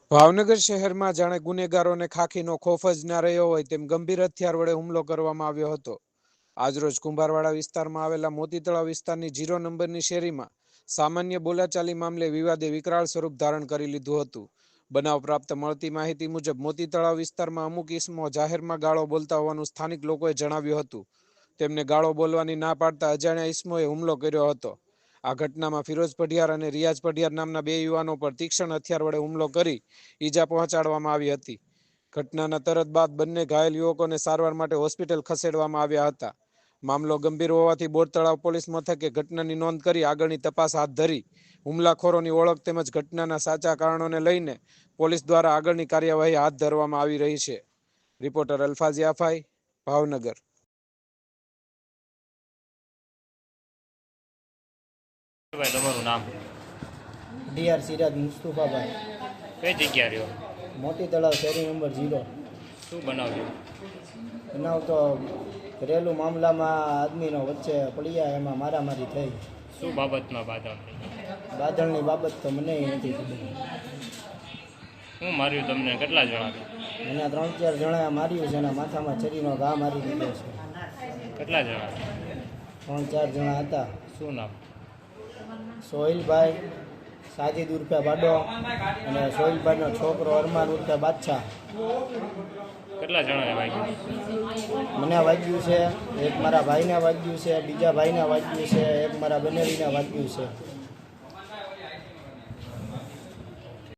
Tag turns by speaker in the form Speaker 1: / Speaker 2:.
Speaker 1: ભાવનગર શહેરમાં જાણે ગુનેગારોને ખાખીનો ખોફ જ ના રહ્યો હોય તેમ ગંભીર હથિયાર વડે હુમલો કરવામાં આવ્યો હતો. આજરોજ કુંભારવાડા વિસ્તારમાં આવેલા મોતી તળાવ વિસ્તારની 0 નંબરની શેરીમાં સામાન્ય બોલાચાલી મામલે વિવાદે વિકરાળ સ્વરૂપ ધારણ કરી લીધું હતું. બનાવ પ્રાપ્ત મળતી માહિતી મુજબ મોતી તળાવ વિસ્તારમાં અમુક ઇસમો જાહેરમાં ગાળો બોલતા હોવાનું સ્થાનિક લોકોએ જણાવ્યું હતું. તેમને ગાળો બોલવાની ના પાડતા અજાણ્યા ઇસમોએ હુમલો કર્યો હતો. આ ઘટનામાં ફિરોઝ પઢિયાર અને રિયાઝ પઢિયાર નામના 2 યુવાનો પર તીક્ષ્ણ હથિયાર વડે હુમલો કરી ઈજા પહોંચાડવામાં આવી હતી. ઘટનાના તરત બાદ બંને ઘાયલ યુવકોને સારવાર માટે હોસ્પિટલ ખસેડવામાં આવ્યા હતા. મામલો ગંભીર હોવાથી બોર તળાવ પોલીસ મથકે ઘટનાની નોંધ કરી આગળની તપાસ હાથ ધરી હુમલાખોરોની ઓળખ તેમજ ઘટનાના સાચા કારણોને લઈને પોલીસ દ્વારા આગળની કાર્યવાહી હાથ ધરવામાં આવી રહી છે. રિપોર્ટર અલ્ફાઝ યાફાઈ, ભાવનગર.
Speaker 2: ભાઈ તમારું નામ?
Speaker 3: ડીઆર સિરાજ મુસ્તુફાભાઈ.
Speaker 2: કઈ જગ્યા રહ્યો?
Speaker 3: મોતી તળાવ શેરી નંબર 0.
Speaker 2: શું બનાવ્યું?
Speaker 3: બનાવ તો ઘરેલું મામલામાં આદમીનો વચ્ચે પડ્યા, એમાં મારામારી થઈ.
Speaker 2: શું બાબતમાં
Speaker 3: બાદળની બાબત તો મને નથી ખબર.
Speaker 2: શું માર્યું તમને? કેટલા જણા?
Speaker 3: મને 3-4 જણાએ માર્યું છે અને માથામાં છરીનો ઘા મારી દીધો છે.
Speaker 2: કેટલા જણા?
Speaker 3: 3-4 જણા હતા.
Speaker 2: શું નામ?
Speaker 3: સોહિલભાઈ, સાજીદ ઉર્ફે બાડો અને સોહિલભાઈનો છોકરો અરમાન ઉર્ફે બાદશાહ.
Speaker 2: કેટલા જણાને વાગ્યું?
Speaker 3: મને વાગ્યું છે, એક મારા ભાઈને વાગ્યું છે, બીજા ભાઈને વાગ્યું છે, એક મારા બનેવીને વાગ્યું છે.